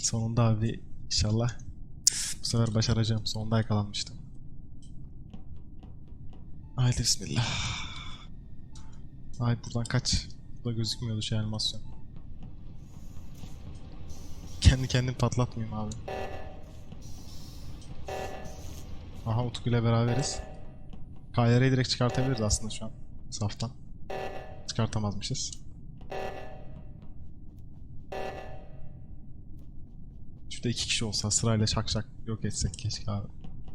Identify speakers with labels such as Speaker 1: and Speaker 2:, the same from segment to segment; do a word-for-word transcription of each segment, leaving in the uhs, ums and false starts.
Speaker 1: Sonunda abi inşallah bu sefer başaracağım. Sonunda yakalanmıştım. Haydi bismillah. Haydi buradan kaç. Burada gözükmüyordu şey animasyon. Kendi kendim patlatmayayım abi. Aha Utku ile beraberiz. K Y R'yi direkt çıkartabiliriz aslında şu an. Saftan. Çıkartamazmışız. Şurada iki kişi olsa sırayla şak şak yok etsek keşke abi.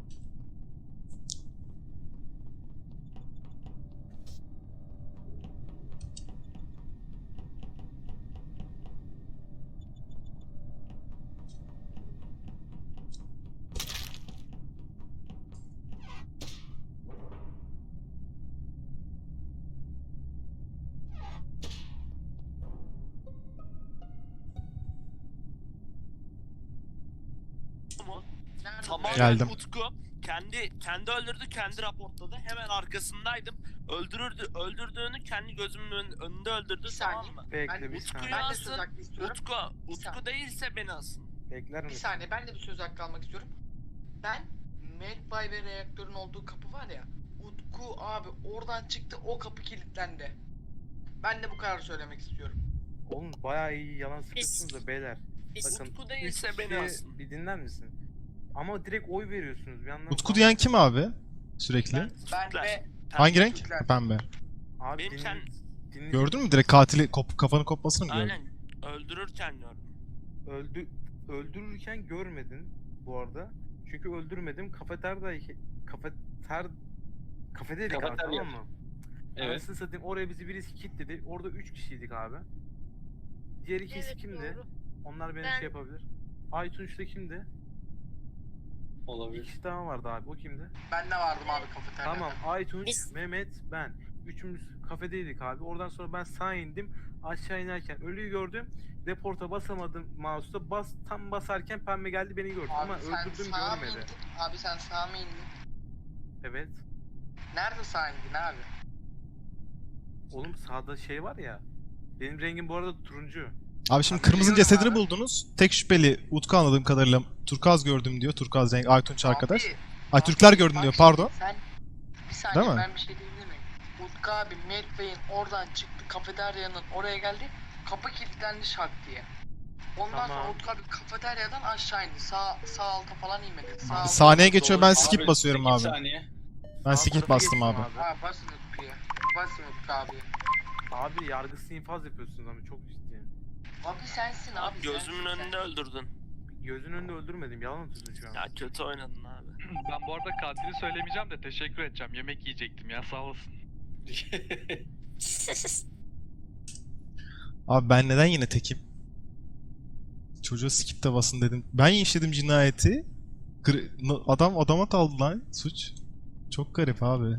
Speaker 2: Tamamen
Speaker 1: Geldim.
Speaker 2: Utku kendi kendi öldürdü, kendi raportladı. Hemen arkasındaydım. Öldürürdü, öldürdüğünü kendi gözümün ön- önünde öldürdü,
Speaker 3: Bir
Speaker 2: tamam
Speaker 3: saniye.
Speaker 2: mı?
Speaker 4: Bekle
Speaker 3: Ben
Speaker 4: bir
Speaker 2: Utku'yu
Speaker 4: saniye.
Speaker 3: Ben de söz
Speaker 2: asın.
Speaker 3: hakkı istiyorum.
Speaker 2: Utku,
Speaker 3: Bir
Speaker 2: Utku
Speaker 3: saniye.
Speaker 2: değilse beni asın.
Speaker 4: Bekler
Speaker 3: Bir
Speaker 4: misin?
Speaker 3: saniye ben de bir söz hakkı almak istiyorum. Ben Medbay ve reaktörün olduğu kapı var ya. Utku abi oradan çıktı, o kapı kilitlendi. Ben de bu kararı söylemek istiyorum.
Speaker 4: Oğlum bayağı iyi yalan sıkıyorsunuz da beyler.
Speaker 2: Biz
Speaker 4: Bakın,
Speaker 2: Utku değilse
Speaker 4: üç
Speaker 2: beni
Speaker 4: kişi
Speaker 2: asın.
Speaker 4: bir dinler misin? Ama direkt oy veriyorsunuz bir yandan.
Speaker 1: Utku diyen kim abi? Sürekli.
Speaker 2: Ben,
Speaker 3: Ben
Speaker 2: Türkler.
Speaker 3: ve
Speaker 1: Hangi renk?
Speaker 3: Türkler.
Speaker 1: Pembe.
Speaker 4: Abi
Speaker 2: Benim
Speaker 4: dinle,
Speaker 2: kend-
Speaker 4: dinle-
Speaker 1: Gördün mü direkt katili kop kafanı kopmasını mı gördün?
Speaker 2: Aynen. Öldürürken gördüm.
Speaker 4: Öldü, öldürürken görmedin bu arada. Çünkü öldürmedim. Kafeterda kafeter kafedeydik abi,
Speaker 5: Kafeterya.
Speaker 4: tamam mı?
Speaker 5: Evet.
Speaker 4: Anasını satayım, oraya bizi birisi kilitledi. Orada üç kişiydik abi. Diğer ikisi
Speaker 6: Evet,
Speaker 4: kimdi?
Speaker 6: doğru.
Speaker 4: Onlar beni
Speaker 6: Ben.
Speaker 4: şey yapabilir. Aytunç da kimdi? Bir
Speaker 5: Olabilir.
Speaker 4: kişi daha vardı abi. O kimdi?
Speaker 3: Ben de vardım abi kafeteryada.
Speaker 4: Tamam, Aytunç,
Speaker 6: Biz-
Speaker 4: Mehmet, ben. Üçümüz kafedeydik abi. Oradan sonra ben sağa indim. Aşağı inerken ölüyü gördüm. Reporta basamadım mouse'da. Bas, tam basarken pembe geldi beni gördü.
Speaker 3: Abi
Speaker 4: Ama
Speaker 3: sen
Speaker 4: öldürdüm
Speaker 3: sağa mı
Speaker 4: görmedi.
Speaker 3: indin? Abi sen sağa mı indin?
Speaker 4: Evet.
Speaker 3: Nerede sağa indin abi?
Speaker 4: Oğlum sağda şey var ya. Benim rengim bu arada turuncu.
Speaker 1: Abi şimdi
Speaker 3: Abi
Speaker 1: kırmızının
Speaker 3: biliyorum
Speaker 1: cesedini
Speaker 3: abi.
Speaker 1: buldunuz. Tek şüpheli Utku anladığım kadarıyla turkuaz gördüm diyor. Turkuaz renk Aytunç arkadaş.
Speaker 3: Abi,
Speaker 1: Ay
Speaker 3: abi,
Speaker 1: Türkler gördüm
Speaker 3: bak
Speaker 1: diyor
Speaker 3: şimdi
Speaker 1: pardon.
Speaker 3: Sen bir saniye
Speaker 1: Değil mi?
Speaker 3: ben bir şey diyebilir miyim? Utku abi Medbay'in oradan çıktı, kafeteryanın oraya geldi. Kapı kilitlendi şak diye. Ondan
Speaker 4: Tamam.
Speaker 3: sonra Utku abi kafeteryadan aşağı indi. Sağ sağ alta falan inmedi. Sağ alta-
Speaker 1: Saniye geçiyor ben
Speaker 5: Doğru.
Speaker 1: skip
Speaker 5: Abi,
Speaker 1: basıyorum
Speaker 5: sekiz
Speaker 1: abi.
Speaker 5: saniye.
Speaker 1: Ben
Speaker 4: Sağ
Speaker 1: skip
Speaker 4: tarafa
Speaker 1: bastım
Speaker 4: geçtim
Speaker 1: abi.
Speaker 3: Ha basın Utku'ya. Basın Utku abi.
Speaker 4: Abi yargısız infaz yapıyorsunuz ama çok ciddi.
Speaker 3: Abi sensin abi.
Speaker 2: Abi gözümün
Speaker 3: sensin
Speaker 2: önünde öldürdün.
Speaker 4: Gözün önünde öldürmedim. Yalan atıyorsun şu an.
Speaker 2: Ya kötü oynadın abi.
Speaker 7: Ben bu arada katili söylemeyeceğim de teşekkür edeceğim. Yemek yiyecektim ya, sağ olasın.
Speaker 1: Abi ben neden yine tekim? Çocuğa skip de basın dedim. Ben işledim cinayeti. Kır- n- Adam adama daldı lan suç. Çok garip abi.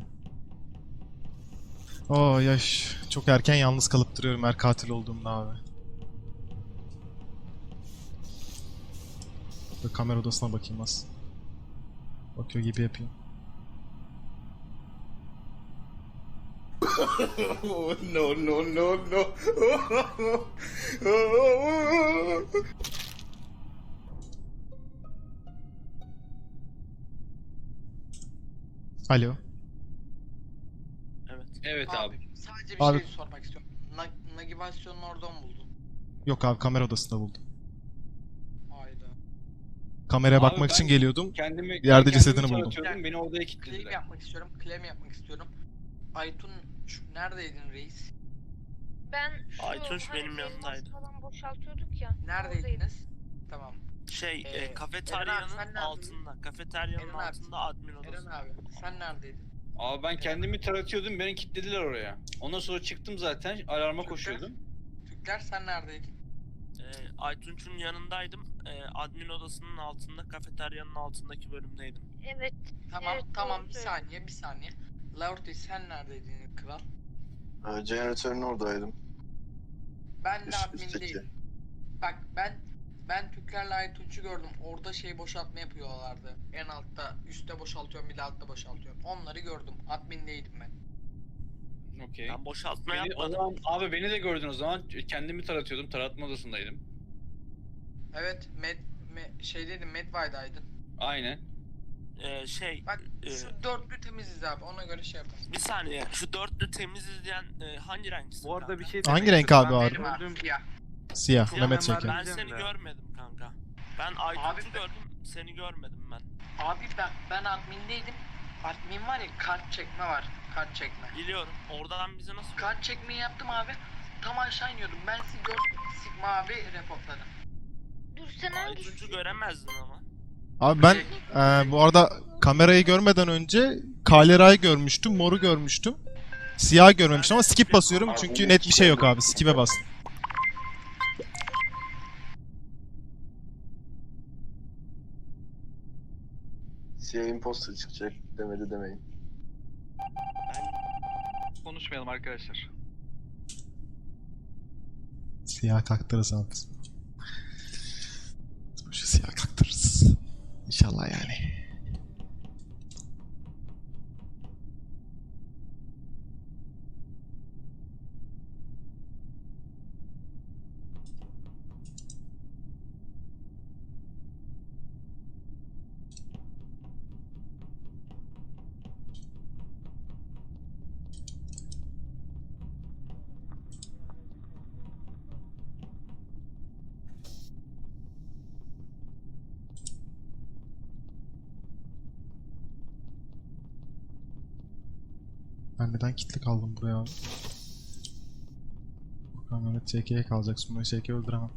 Speaker 1: Oh yaş. Çok erken yalnız kalıp duruyorum her katil olduğumda abi. Böyle kamera odasına bakayım az. Bakıyor gibi yapayım.
Speaker 8: no, no, no, no.
Speaker 1: Alo.
Speaker 2: Evet.
Speaker 5: Evet abi.
Speaker 3: Sadece bir
Speaker 1: Abi-
Speaker 3: şey sormak istiyorum. Na navigasyonun oradan mı buldun?
Speaker 1: Yok abi kamera odasında buldum.
Speaker 3: Hayda.
Speaker 1: Kameraya
Speaker 5: Abi
Speaker 1: bakmak
Speaker 5: ben-
Speaker 1: için geliyordum.
Speaker 5: Kendimi
Speaker 1: Yerde
Speaker 5: kendimi
Speaker 1: cesedini buldum.
Speaker 5: taratıyordum, beni odaya
Speaker 3: Claim
Speaker 5: kilitlediler.
Speaker 3: yapmak istiyorum. Claim yapmak istiyorum. Aytun şu- neredeydin reis?
Speaker 6: Ben şu
Speaker 2: Aytunç
Speaker 6: hani
Speaker 2: benim
Speaker 6: elmas
Speaker 2: yanımdaydı.
Speaker 6: falan boşaltıyorduk ya. oradaydım.
Speaker 3: Neredeydiniz? Tamam.
Speaker 2: Şey,
Speaker 3: Ee,
Speaker 2: e,
Speaker 3: Eren abi, sen
Speaker 2: kafeteryanın
Speaker 3: neredeydin?
Speaker 2: altında. Kafeteryanın
Speaker 3: Eren abi,
Speaker 2: altında admin
Speaker 3: Eren
Speaker 2: odası.
Speaker 3: abi sen neredeydin?
Speaker 5: Abi ben kendimi taratıyordum, beni kilitlediler oraya. Ondan sonra çıktım zaten, alarma
Speaker 3: Türkler?
Speaker 5: koşuyordum.
Speaker 3: Türkler sen neredeydin?
Speaker 2: E, Aytunç'un yanındaydım. E, admin odasının altında, kafeteryanın altındaki bölümdeydim.
Speaker 6: Evet.
Speaker 3: Tamam
Speaker 6: Evet,
Speaker 3: tamam
Speaker 6: doğru
Speaker 3: bir
Speaker 6: söylüyorsun.
Speaker 3: saniye bir saniye. Laurti sen neredeydin kral?
Speaker 8: Ee, Jeneratörün oradaydım.
Speaker 3: Ben de
Speaker 8: Üst-
Speaker 3: admin
Speaker 8: üstteki.
Speaker 3: değilim. Bak ben ben Türklerle Aytunç'u gördüm. Orada şey boşaltma yapıyorlardı. En altta üstte boşaltıyorum bir de altta boşaltıyorum. Onları gördüm. Admin değildim ben.
Speaker 5: Okey.
Speaker 2: Ben boşaltma
Speaker 5: Beni, o
Speaker 2: yapmadım.
Speaker 5: zaman, abi beni de gördün o zaman. Kendimi taratıyordum, taratma odasındaydım.
Speaker 3: Evet, Med, me, şeydeydin, Medbay'daydın.
Speaker 5: Aynen.
Speaker 2: Ee, şey
Speaker 3: Bak
Speaker 2: e,
Speaker 3: şu dörtlü temiziz abi, ona göre şey yapalım.
Speaker 2: bir saniye şu dörtlü temiz izleyen e, hangi renksin
Speaker 4: Bu arada
Speaker 2: kanka?
Speaker 4: bir şey
Speaker 1: Hangi
Speaker 4: demek
Speaker 1: renk
Speaker 4: istiyorum.
Speaker 1: abi
Speaker 4: Ben
Speaker 1: abi?
Speaker 3: Benim abi,
Speaker 4: öldüğüm-
Speaker 3: siyah.
Speaker 1: Siyah.
Speaker 2: Siyah
Speaker 1: Mehmet
Speaker 4: ben
Speaker 1: Şeker.
Speaker 2: Ben
Speaker 4: Diyeceğim
Speaker 2: seni
Speaker 4: de.
Speaker 2: görmedim kanka. Ben Aytunç'u
Speaker 3: Abi ben-
Speaker 2: gördüm, seni görmedim ben.
Speaker 3: Abi ben, ben admindeydim. Admin var ya, kart çekme var, kart çekme.
Speaker 2: Biliyorum. Oradan bize nasıl
Speaker 3: Kart çekmeyi yaptım abi. Tam aşağı iniyordum. Ben sizi gördüm. Sigma abi reportladım.
Speaker 6: Dur sen hangisi?
Speaker 2: Aytunç'u göremezdin ama.
Speaker 1: Abi ben e, bu arada kamerayı görmeden önce Kalera'yı görmüştüm, Mor'u görmüştüm. Siyah görmemiştim ama skip basıyorum çünkü net bir şey yok abi. Skip'e bastım.
Speaker 8: Siyah imposter çıkacak demedi demeyin.
Speaker 7: Konuşmayalım arkadaşlar.
Speaker 1: Siyah kaktırırız abi biz. Şu siyah kaktırırız. İnşallah yani. Ben neden kilitli kaldım buraya abi? Bakalım Mehmet Ç K'ye kalacak. Sonra Ç K'yi öldüremem.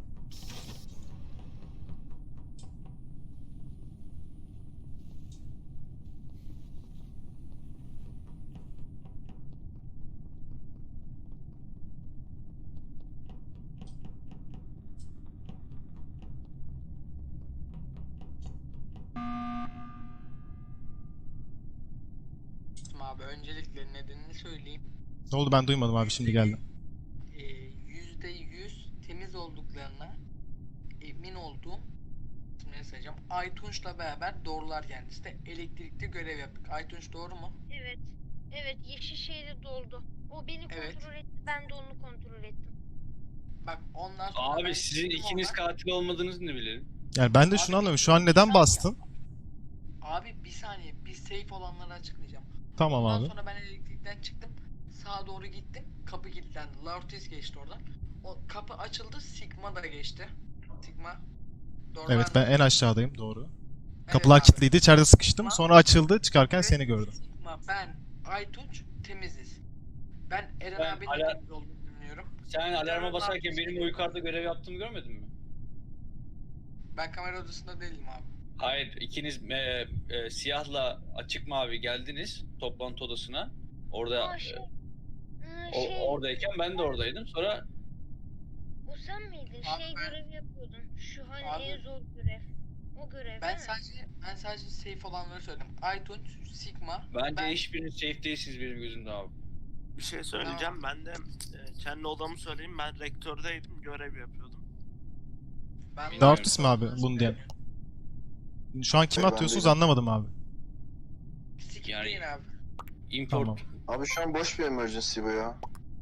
Speaker 3: Abi öncelikle nedenini söyleyeyim.
Speaker 1: Ne oldu ben duymadım abi şimdi geldim.
Speaker 3: Ee, Yüzde yüz temiz olduklarına emin olduğum, şimdi sayacağım. Aytunç'la beraber doğrular kendisi de elektrikte görev yaptık. Aytunç doğru mu?
Speaker 6: Evet. Evet yeşil şeyde doldu. O beni
Speaker 3: Evet.
Speaker 6: kontrol etti. Ben de onu kontrol ettim.
Speaker 3: Bak ondan sonra ben
Speaker 5: Abi sizin
Speaker 3: çıktım
Speaker 5: ikiniz
Speaker 3: oradan.
Speaker 5: katil olmadığınızı ne bilelim?
Speaker 1: Yani ben de şunu anlamıyorum. Şu an neden bastın?
Speaker 3: Abi bir saniye, bir safe olanları açıklayacağım.
Speaker 1: Tamam
Speaker 3: Ondan
Speaker 1: abi.
Speaker 3: sonra ben elektrikten çıktım. Sağa doğru gittim. Kapı kilitlendi. Laurtis geçti oradan. O kapı açıldı. Sigma da geçti. Sigma. Doğru
Speaker 1: Evet ben en aşağıdayım doğru.
Speaker 3: Evet
Speaker 1: Kapılar
Speaker 3: abi.
Speaker 1: kilitliydi. İçeride sıkıştım.
Speaker 3: Sigma-
Speaker 1: Sonra açıldı. Çıkarken
Speaker 3: Evet,
Speaker 1: seni gördüm.
Speaker 3: Sigma, ben, Aytunç temiziz. Ben Eren
Speaker 5: Ben
Speaker 3: abinin
Speaker 5: hala-
Speaker 3: temiz olduğunu düşünüyorum.
Speaker 5: Sen alarma
Speaker 3: Eren
Speaker 5: basarken
Speaker 3: abi-
Speaker 5: benim o yukarıda görev yaptığımı görmedin mi?
Speaker 3: Ben kamera odasında değilim abi.
Speaker 5: Hayır, ikiniz e, e, siyahla açık mavi geldiniz toplantı odasına. Orada
Speaker 6: Aa
Speaker 5: e,
Speaker 6: şey. Aa,
Speaker 5: o,
Speaker 6: şey.
Speaker 5: oradayken ben de oradaydım. Sonra
Speaker 6: O sen miydin?
Speaker 3: Abi
Speaker 6: Şey
Speaker 3: ben-
Speaker 6: görev yapıyordun. Şu hani
Speaker 3: Abi-
Speaker 6: en zor görev. O görev
Speaker 3: Ben
Speaker 6: değil mi?
Speaker 3: sadece ben sadece safe olanları söyledim. Aytunç, Sigma,
Speaker 5: bence
Speaker 3: ben
Speaker 5: hiçbiriniz safe değilsiniz benim gözümde abi.
Speaker 2: Bir şey söyleyeceğim. Ben de e, kendi odamı söyleyeyim. Ben rektördeydim. Görev yapıyordum.
Speaker 3: ben
Speaker 1: Laurtis mi abi bunu diyen? Şu an kime
Speaker 8: Ben
Speaker 1: atıyorsunuz
Speaker 8: değilim.
Speaker 1: anlamadım abi.
Speaker 3: Sikip
Speaker 5: Yani-
Speaker 3: değil abi.
Speaker 5: Import.
Speaker 1: Tamam.
Speaker 8: Abi şu an boş bir emergency bu ya.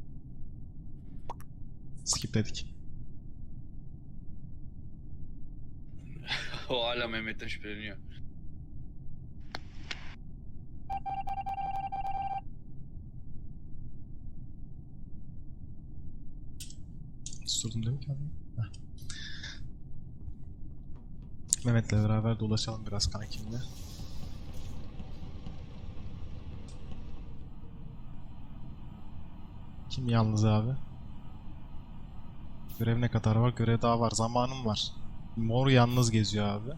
Speaker 1: Skip dedik.
Speaker 5: O hala Mehmet'ten şüpheleniyor.
Speaker 1: Susturdum değil mi kendimi? Heh. Mehmet'le beraber dolaşalım biraz kankimle. Kim yalnız abi? Görev ne kadar var? Görev daha var. Zamanım var. Mor yalnız geziyor abi.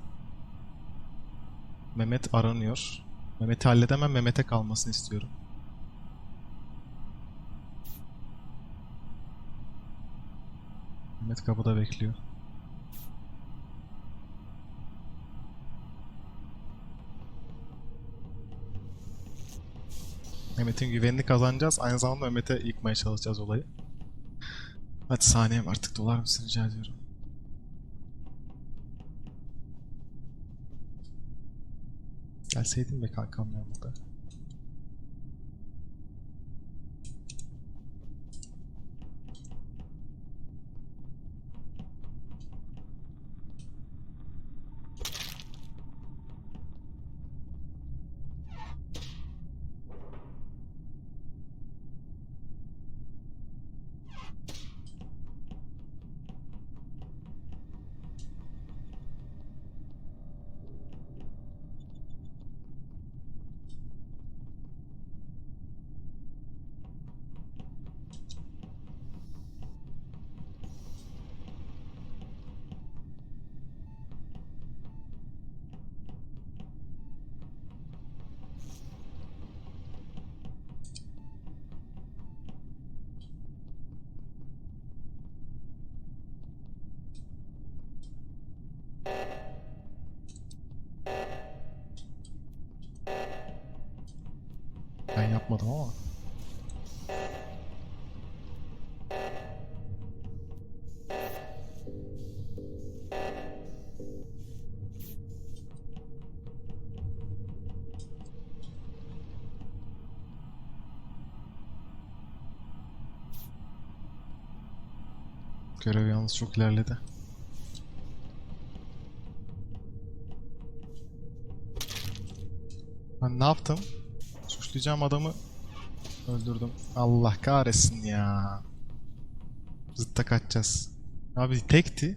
Speaker 1: Mehmet aranıyor. Mehmet'i halledemem. Mehmet'e kalmasını istiyorum. Mehmet kapıda bekliyor. Mehmet'in güvenini kazanacağız. Aynı zamanda Mehmet'e yıkmaya çalışacağız olayı. Hadi saniyem artık dolar mısın rica ediyorum. Gelseydin be kankam ya burada. Ben yapmadım ama. Görev yalnız çok ilerledi. Ben ne yaptım? Suçlayacağım adamı öldürdüm. Allah kahretsin ya. Zıtta kaçacağız. Abi tekti.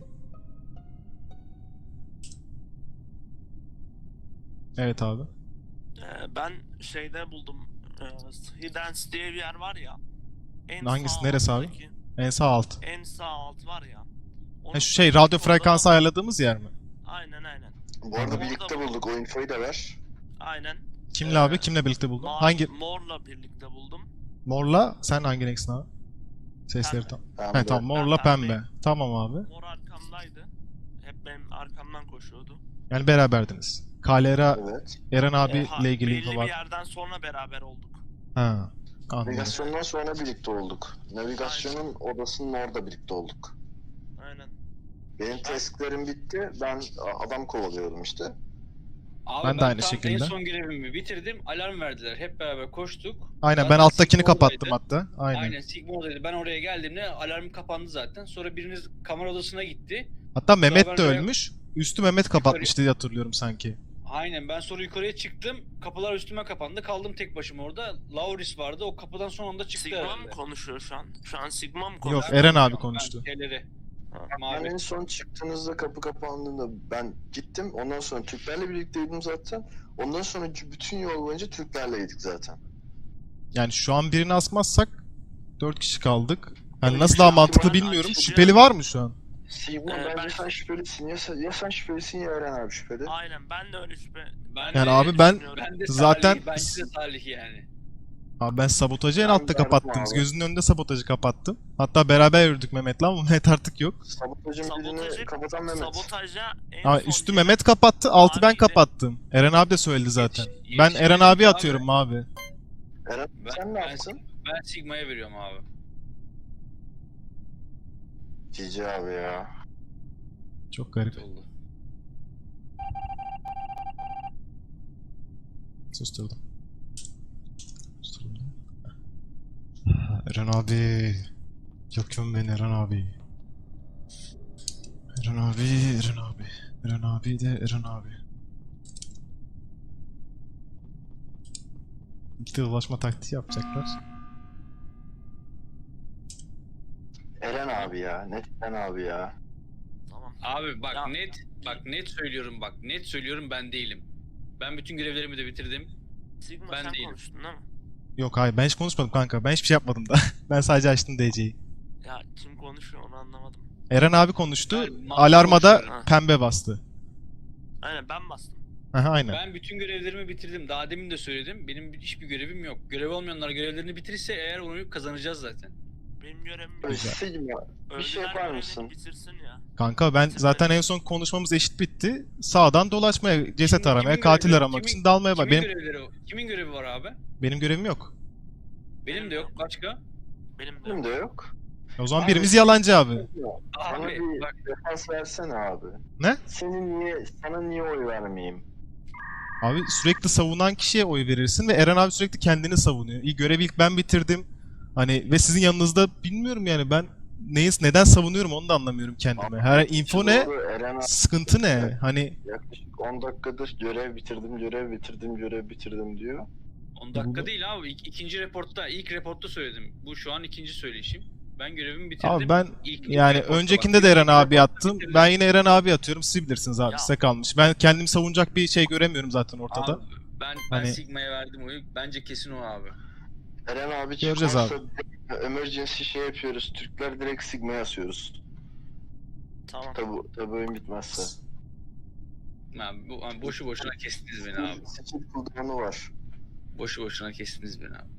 Speaker 1: Evet abi.
Speaker 2: Ee, ben şeyde buldum. Ee, Hidden diye bir yer var ya. En
Speaker 1: Hangisi,
Speaker 2: sağ
Speaker 1: neresi abi?
Speaker 2: alttaki-
Speaker 1: En sağ alt.
Speaker 2: En sağ alt var ya. Onun
Speaker 1: Ha, şu şey radyo
Speaker 2: orada
Speaker 1: frekansı
Speaker 2: da-
Speaker 1: ayarladığımız yer mi?
Speaker 2: Aynen aynen.
Speaker 8: Bu arada
Speaker 1: Tamam.
Speaker 8: birlikte bulduk. O infoyu da ver.
Speaker 2: Aynen.
Speaker 1: Kimle
Speaker 2: Ee,
Speaker 1: abi? Kimle birlikte buldun?
Speaker 2: Mavi-
Speaker 1: Hangi?
Speaker 2: Mor'la birlikte buldum.
Speaker 1: Morla sen hangi renksin abi? Sesleri
Speaker 2: Pembe.
Speaker 1: tam.
Speaker 8: Pembe.
Speaker 1: He tamam, morla
Speaker 2: Ben
Speaker 1: pembe.
Speaker 2: pembeyim.
Speaker 1: Tamam abi.
Speaker 2: Mor arkamdaydı. Hep benim arkamdan koşuyordu.
Speaker 1: Yani beraberdiniz. Kalera
Speaker 8: Evet.
Speaker 1: Eren
Speaker 2: Ee, ha,
Speaker 1: abiyle ilgili
Speaker 2: belli
Speaker 1: info
Speaker 2: bir
Speaker 1: var.
Speaker 2: yerden sonra beraber olduk.
Speaker 1: Ha. Anladım.
Speaker 8: Navigasyondan sonra birlikte olduk. Navigasyonun odasının orada birlikte olduk.
Speaker 2: Aynen.
Speaker 8: Benim tasklerim bitti. Ben adam kovalıyordum işte.
Speaker 5: Abi
Speaker 1: Ben de aynı
Speaker 5: tam
Speaker 1: şekilde.
Speaker 5: En son görevimi bitirdim. Alarm verdiler. Hep beraber koştuk.
Speaker 1: Aynen, ben
Speaker 5: Zaten
Speaker 1: alttakini
Speaker 5: Sigma
Speaker 1: kapattım
Speaker 5: oradaydı.
Speaker 1: hatta. Aynen.
Speaker 5: Aynen Sigma oradaydı. Ben oraya geldiğimde alarm kapandı zaten. Sonra biriniz kamera odasına gitti.
Speaker 1: Hatta Mehmet
Speaker 5: ben
Speaker 1: de
Speaker 5: oraya-
Speaker 1: ölmüş. Üstü Mehmet kapatmıştı diye hatırlıyorum sanki.
Speaker 5: Aynen ben sonra yukarıya çıktım. Kapılar üstüme kapandı. Kaldım tek başıma orada. Lauris vardı. O kapıdan son anda çıktı
Speaker 2: Sigma mı
Speaker 5: herhalde.
Speaker 2: konuşuyor şu an? Şu an Sigma mı
Speaker 1: Yok,
Speaker 2: konuşuyor?
Speaker 1: Eren abi
Speaker 5: Ben
Speaker 1: konuştu.
Speaker 5: şeyleri.
Speaker 8: Ben
Speaker 5: Mavi.
Speaker 8: en son çıktığınızda kapı kapandığında ben gittim. Ondan sonra Türklerle birlikteydim zaten. Ondan sonra bütün yol boyunca Türklerleydik zaten.
Speaker 1: Yani şu an birini asmazsak dört kişi kaldık. Yani
Speaker 8: Öyle
Speaker 1: nasıl
Speaker 8: bir
Speaker 1: daha
Speaker 8: şey
Speaker 1: mantıklı
Speaker 8: var,
Speaker 1: bilmiyorum.
Speaker 2: açıkçası.
Speaker 1: Şüpheli var mı şu an?
Speaker 8: Sigma
Speaker 2: Ee,
Speaker 8: bence
Speaker 2: ben-
Speaker 8: sen şüphelisin. Ya sen, ya sen şüphelisin ya Eren abi şüpheli.
Speaker 2: Aynen ben de öyle şüphe.
Speaker 5: Ben
Speaker 1: Yani
Speaker 5: de
Speaker 1: abi ben
Speaker 2: düşünüyorum.
Speaker 5: ben de
Speaker 1: zaten-
Speaker 5: Salih, bence de Salih yani.
Speaker 1: Abi ben sabotajı en
Speaker 8: Ben
Speaker 1: altta
Speaker 8: verdim
Speaker 1: kapattınız.
Speaker 8: abi.
Speaker 1: Gözünün önünde sabotajı kapattım. Hatta beraber yürüdük Mehmet'le ama Mehmet artık yok.
Speaker 8: Sabotajın birini
Speaker 2: Sabotajı,
Speaker 8: kapatan Mehmet.
Speaker 2: sabotaja en
Speaker 1: Ama
Speaker 2: son
Speaker 1: üstü
Speaker 2: gelen-
Speaker 1: Mehmet kapattı, altı ben
Speaker 2: Maviydi.
Speaker 1: kapattım. Eren abi de söyledi zaten.
Speaker 5: Yetiş-
Speaker 1: Ben Eren
Speaker 5: yetişemedim
Speaker 1: abi
Speaker 5: abi.
Speaker 1: atıyorum abi.
Speaker 8: Eren
Speaker 5: Ben,
Speaker 8: sen ne
Speaker 5: ben,
Speaker 8: yaptın?
Speaker 5: ben Sigma'ya veriyorum abi.
Speaker 8: Cici abi ya.
Speaker 1: Çok garip.
Speaker 5: Oldu.
Speaker 1: Susturdum. Susturdum. Eren abi. Yakın beni Eren abi. Eren abi, Eren abi. Eren abi de Eren abi. İlk de ulaşma taktiği yapacaklar.
Speaker 8: Eren abi ya. Net Eren abi ya.
Speaker 2: Tamam.
Speaker 5: Abi bak
Speaker 2: Ya-
Speaker 5: net bak net söylüyorum bak net söylüyorum ben değilim. Ben bütün görevlerimi de bitirdim.
Speaker 2: Sigma
Speaker 5: Ben
Speaker 2: sen
Speaker 5: değilim.
Speaker 2: konuştun değil mi?
Speaker 1: Yok hayır, ben hiç konuşmadım kanka. Ben hiçbir şey yapmadım da. Ben sadece açtım D C'yi.
Speaker 2: Ya kim konuşuyor onu anlamadım.
Speaker 1: Eren abi konuştu.
Speaker 5: Ben mantıklı
Speaker 1: Alarmada
Speaker 5: konuşuyorum.
Speaker 1: pembe bastı.
Speaker 2: Aynen ben bastım.
Speaker 1: Aha, aynen.
Speaker 5: Ben bütün görevlerimi bitirdim. Daha demin de söyledim. Benim hiçbir görevim yok. Görev olmayanlar görevlerini bitirirse eğer onu kazanacağız zaten.
Speaker 2: Benim görevim
Speaker 8: Öyle
Speaker 2: yok.
Speaker 8: Sigma. Bir şey
Speaker 2: Öldüler
Speaker 8: yapar
Speaker 2: görevini
Speaker 8: mısın?
Speaker 2: Bitirsin ya.
Speaker 1: Kanka ben zaten en son konuşmamız eşit bitti. Sağdan dolaşmaya, ceset
Speaker 5: Kimin-
Speaker 1: aramaya,
Speaker 5: kimin
Speaker 1: katil
Speaker 5: görevi-
Speaker 1: aramak
Speaker 5: kimin-
Speaker 1: için dalmaya bak.
Speaker 5: Kimin
Speaker 1: Benim
Speaker 5: görevleri o? Kimin görevi var abi?
Speaker 1: benim görevim yok.
Speaker 5: Benim de yok. Başka?
Speaker 2: Benim de
Speaker 8: Benim
Speaker 2: yok.
Speaker 8: de yok.
Speaker 1: O zaman
Speaker 8: Abi-
Speaker 1: birimiz yalancı abi.
Speaker 8: Bana
Speaker 5: Abi
Speaker 8: bir
Speaker 5: bak
Speaker 8: defans versene abi.
Speaker 1: Ne?
Speaker 8: Senin niye, sana niye oy vermeyeyim?
Speaker 1: Abi sürekli savunan kişiye oy verirsin ve Eren abi sürekli kendini savunuyor. İyi, görevi ilk ben bitirdim. Hani ve sizin yanınızda bilmiyorum yani ben neyi neden savunuyorum onu da anlamıyorum kendime. Her info ne?
Speaker 8: Doğru, Eren abi
Speaker 1: Sıkıntı ne? Hani
Speaker 8: yaklaşık on dakikadır görev bitirdim, görev bitirdim, görev bitirdim diyor.
Speaker 5: on dakika
Speaker 1: Bu-
Speaker 5: değil abi. İk, ikinci reportta, ilk reportta söyledim. Bu şu an ikinci söyleyişim. Ben görevimi bitirdim.
Speaker 1: abi ben
Speaker 5: İlk-
Speaker 1: yani
Speaker 5: reportta
Speaker 1: öncekinde
Speaker 5: bak,
Speaker 1: de
Speaker 5: ilk
Speaker 1: Eren abi
Speaker 5: reportta
Speaker 1: attım.
Speaker 5: bitirdim.
Speaker 1: Ben yine Eren abi atıyorum. Siz bilirsiniz abi,
Speaker 2: Ya.
Speaker 1: size kalmış. Ben kendimi savunacak bir şey göremiyorum zaten ortada.
Speaker 5: Abi, ben ben
Speaker 1: Hani-
Speaker 5: Sigma'ya verdim oyu. Bence kesin o abi.
Speaker 8: Eren abi
Speaker 1: Göreceğiz
Speaker 8: çıkarsa emergency şey yapıyoruz. Türkler direkt Sigma'ya asıyoruz.
Speaker 2: Tamam.
Speaker 8: Tabi, tabi oyun bitmezse.
Speaker 5: Ben, bu, yani boşu boşuna kestiniz beni abi.
Speaker 8: Skill cooldown'u var.
Speaker 5: Boşu boşuna kestiniz beni abi.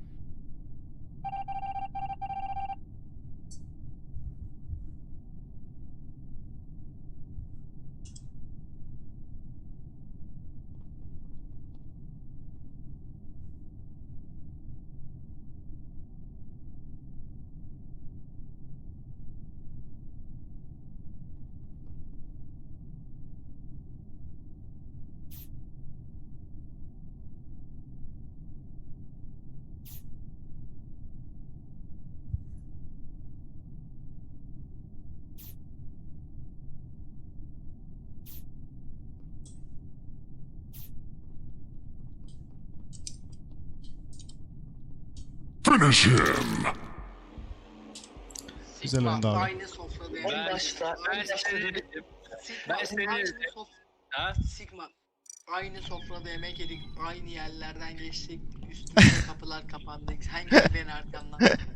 Speaker 1: Güzel
Speaker 3: Sigma
Speaker 1: oldu abi.
Speaker 3: aynı sofrada yemek
Speaker 8: En
Speaker 3: yedik.
Speaker 8: başta,
Speaker 5: Ben
Speaker 8: en başta
Speaker 5: seni
Speaker 8: dedim.
Speaker 5: dedim.
Speaker 3: Sigma
Speaker 5: ben seni
Speaker 3: aynı
Speaker 5: dedim.
Speaker 3: sof-
Speaker 5: Ha?
Speaker 3: Sigma aynı sofrada yemek yedik. Aynı yerlerden geçtik. Üstümüze kapılar kapandı. Sen gel beni arkamdan.